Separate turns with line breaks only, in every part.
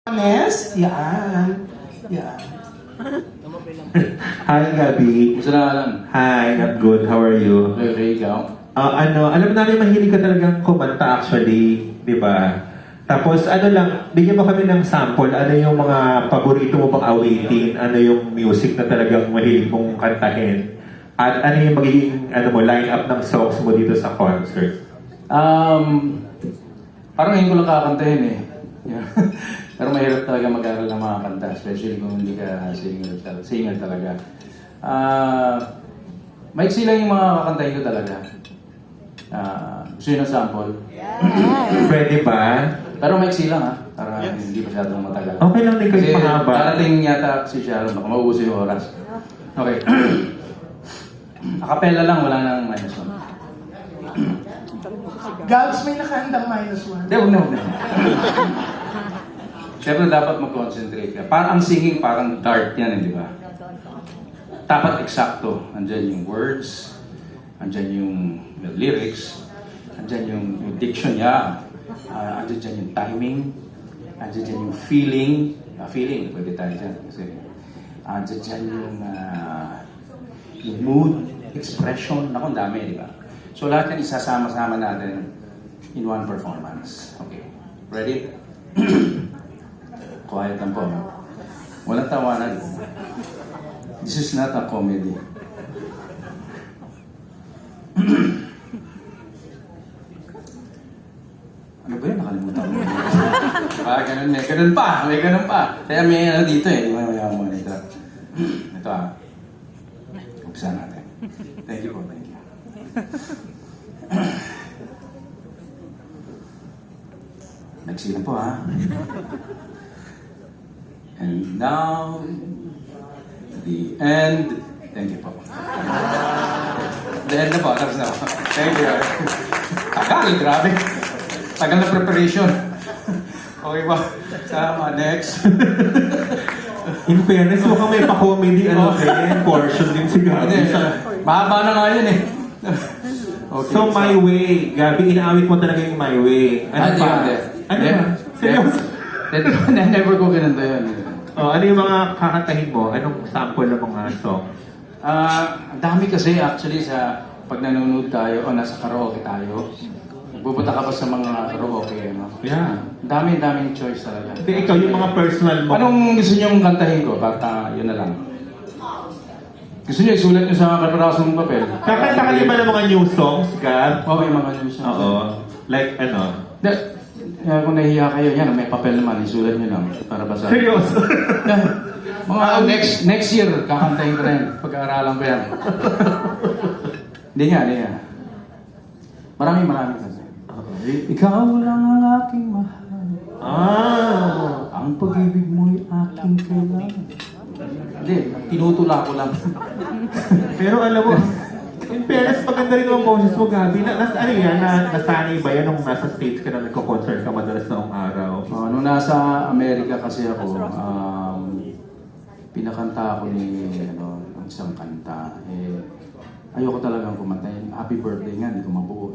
Honest? Yan. Yan.
Hi, Gabi.
Gusto na alam.
Hi, I'm good. How are you?
Okay, ikaw?
Alam namin mahilig ka talagang kumanta actually, di ba? Tapos bigyan mo kami ng sample. Ano yung mga paborito mo pang awitin? Ano yung music na talagang mahilig mong kantahin? At ano yung magiging line-up ng songs mo dito sa concert?
Parang ngayon ko lang kakantahin eh. Pero mahirap talaga mag-aral ng mga kanta, especially kung hindi ka singer talaga. Maiksi lang yung mga kakantahin ko talaga. Gusto nyo ng sample?
Pwede ba?
Pero maiksi lang ha, para hindi masyadong matagal.
Okay lang din kayo
Kasi
mahaba.
darating yata si Sharon, baka mauuso yung oras. Okay. Acapella lang, wala nang minus one.
Gabs, may nakahandang -1.
Hindi, huwag na. Siyempre dapat mag-concentrate ka. Parang ang singing, parang dart yan, di ba? Dapat eksakto. Andyan yung words, andyan yung lyrics, andyan yung diction niya, andyan dyan yung timing, andyan dyan yung feeling. Feeling, pwede tayo dyan. Kasi andyan dyan yung mood, expression. Naku, ang dami, di ba? So lahat yan isasama-sama natin in one performance. Okay. Ready? Quiet lang po. Walang tawanan. This is not a comedy. Ano ba yun? Nakalimutan ko. Ganun. May ganun pa. Kaya may dito eh. May monitor. Ito Umpisa natin. Thank you po. Thank you. Nagsilang po And now, the end. Thank you po. The end na po. Tapos na po. Thank you. Tagal, grabe. Tagal na preparation. Okay po. Sama, next.
In fairness, mukhang may pa-comedy portion din si Gabi.
Mahaba na nga yun eh.
Okay, so, My Way. Gabi, inaawit mo talaga yung My Way. Ano pa? Ano ba? Seryoso?
Never ko ganun to yun.
Ano yung mga kakantahin mo? Anong sample ng mga song?
Ang dami kasi actually sa pag nanonood tayo o nasa karaoke tayo. Pupunta ka pa sa mga karaoke, no?
Yeah.
Daming choice talaga.
Hindi, ikaw yung mga personal mo.
Anong gusto niyong kantahin ko? Basta yun na lang. Gusto niyo isulat niyo sa kaparasong papel?
Kakanta ka din ba ng mga new songs, Gab?
Okay, mga news.
Oo. Like ano?
Kung nahihiya kayo, yan, may papel naman, isulat niyo lang para basahin.
Seryoso?
Mga next year, kakantahin ko rin. Pag-aaralan ko yan. Hindi nga. Marami kasi. Ikaw lang ang aking mahal. Ang pag-ibig mo'y aking kailangan. Hindi, tinutula ko lang.
Pero alam mo, in fairness, maganda rin ang boses mo, Gabi. Nasanay ba yan nung nasa States ka na nagko-concert ka madalas noong araw?
Nung nasa Amerika kasi ako, pinakanta ako ng isang kanta. Ayoko talagang kumanta. Happy birthday nga, hindi ko mabuo.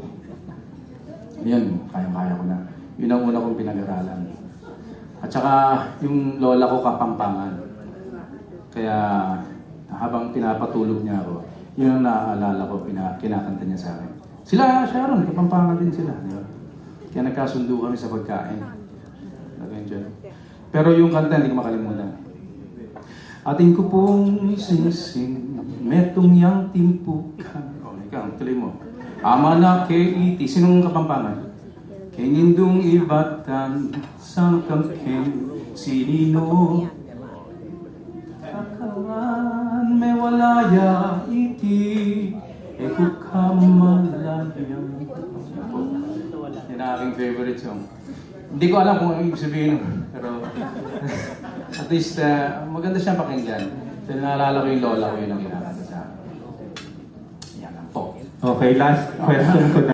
Yun, kayang-kaya ko na. Yun ang una kong pinag-aralan. At saka, yung lola ko Kapampangan. Kaya, habang pinapatulog niya ako, yun ang naaalala ko, kinakanta niya sa akin. Sharon, Kapampangan din sila. Di ba? Kaya nagkasundo kami sa pagkain. Nag-enjoy. Pero yung kanta, hindi ko makalimutan. Ating ko pong sinising, metong yang timpukan. Ikaw, tuloy mo. Ama na kay iti. Sinong Kapampangan? Kay nindong ibatan, sang kamking sinino. Kakawan may walaya iti, eko kamalayang. Yan ang aking favorite song. Hindi ko alam kung ano ibig sabihin, pero at least maganda siyang pakinggan. Dahil naalala ko yung lola ko yun ang ginakanta sa akin. Yan lang po.
Okay, last question ko na.